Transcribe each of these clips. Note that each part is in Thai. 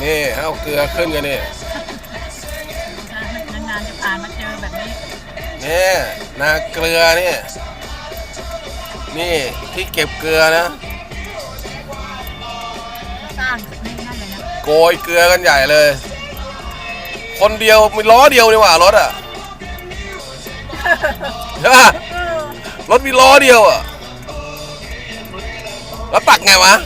นี่เอาเกลือขึ้นกันนี่นานๆจะผ่านมาเจอแบบนี้นี่นาเกลือนี่นี่ที่เก็บเกลือนะสร้างไม่นั่นเลยนะโกยเกลือกันใหญ่เลยคนเดียวมีล้อเดียวนี่หว่ารถอ่ะใช่ป่ะรถมีล้อเดียวอ่ะแล้วตักไงวะ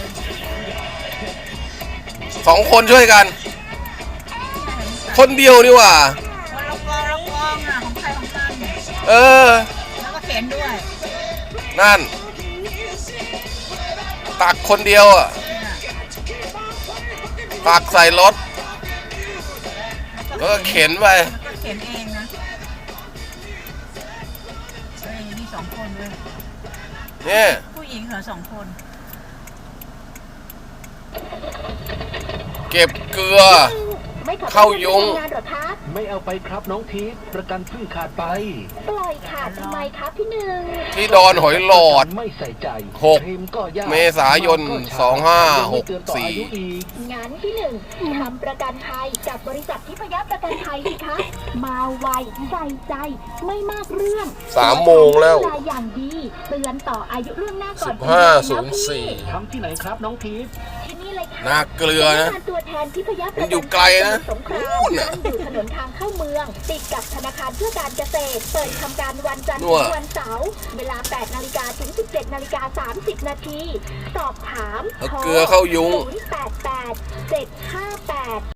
2 คนช่วยกันคนเดียวนี่หว่าละกองอ่ะของใครของมันแล้วก็เข็นด้วยนั่นตักคนเดียวอ่ะตักใส่รถแล้วก็เข็นไปก็เข็นเองนะมี2 คนด้วยนี่ผู้หญิงเหรอ2 คนเก็บเกลือเข้ายุงไม่เอาไปครับน้องทิพย์ประกันเพิ่งขาดไปปล่อยขาดทำไมครับพี่หนึ่งที่ดอนหอยหลอดไม่ใส่ใจ 6 เมษายน 2564 งั้นพี่หนึ่งทำประกันภัยกับบริษัททิพยประกันภัยสิคะมาไวใส่ใจไม่มากเรื่อง 3 โมงแล้วอย่างดีเตือนต่ออายุล่วงหน้าก่อน 15:04 ทำที่ไหนครับน้องทิพย์ที่นี่เลยค่ะนาเกลือนะตัวแทนทิพยประกันภัยมันอยู่ไกลนะสงครามอยู่ถนนทางเข้าเมืองติดกับธนาคารเพื่อการเกษตรเปิดทำการวันจันทร์ถึงวันเสาร์เวลา 8 นาฬิกาถึง 17 นาฬิกา 30 นาทีสอบถามเกลือเข้ายุง 088 758